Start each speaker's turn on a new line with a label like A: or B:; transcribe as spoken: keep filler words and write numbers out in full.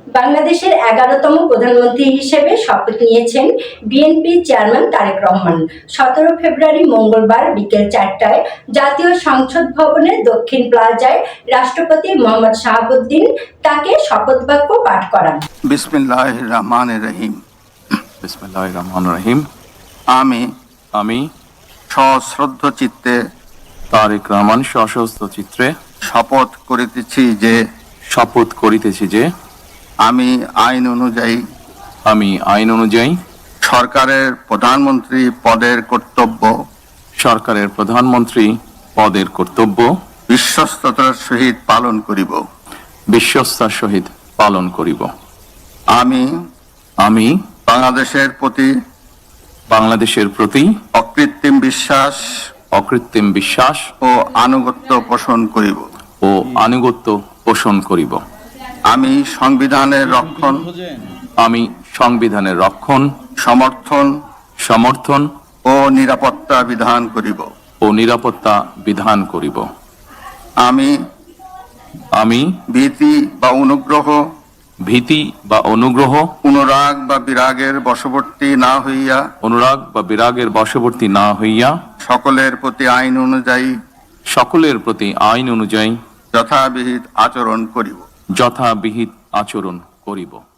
A: বাংলাদেশের এগারোতম প্রধানমন্ত্রী হিসেবে শপথ নিয়েছেন বিএনপি চেয়ারম্যান তারেক রহমান। সতেরো ফেব্রুয়ারি মঙ্গলবার বিকেল চারটায় জাতীয় সংসদ ভবনের দক্ষিণ প্লাজায় রাষ্ট্রপতি মোহাম্মদ শাহাবুদ্দিন তাকে শপথ বাক্য পাঠ করান।
B: বিসমিল্লাহির রহমানির রহিম।
C: বিসমিল্লাহির রহমানির রহিম।
B: আমি
C: আমি
B: সশ্রদ্ধ চিত্তে
C: তারেক রহমান সশস্ত্র চিত্রে
B: শপথ করিতেছি যে
C: শপথ করিতেছি যে
B: আমি আইন অনুযায়ী
C: আমি আইন অনুযায়ী
B: সরকারের প্রধানমন্ত্রী পদের কর্তব্য
C: সরকারের প্রধানমন্ত্রী পদের কর্তব্য
B: বিশ্বস্ততার সহিত পালন করিব
C: বিশ্বস্তার সহিত পালন করিব।
B: আমি
C: আমি
B: বাংলাদেশের প্রতি
C: বাংলাদেশের প্রতি
B: অকৃত্রিম বিশ্বাস
C: অকৃত্রিম বিশ্বাস
B: ও আনুগত্য পোষণ করিব
C: ও আনুগত্য পোষণ করিব।
B: আমি সংবিধানের রক্ষণ
C: আমি সংবিধানের রক্ষণ
B: সমর্থন
C: সমর্থন
B: ও নিরাপত্তা বিধান করিব
C: ও নিরাপত্তা বিধান করিব।
B: আমি
C: আমি
B: ভীতি বা অনুগ্রহ
C: ভীতি বা অনুগ্রহ
B: অনুরাগ বা বিরাগের বশবর্তী না হইয়া
C: অনুরাগ বা বিরাগের বশবর্তী না হইয়া
B: সকলের প্রতি আইন অনুযায়ী
C: সকলের প্রতি আইন অনুযায়ী
B: যথাবিহিত আচরণ করিব
C: যথাবিহিত আচরণ করিব।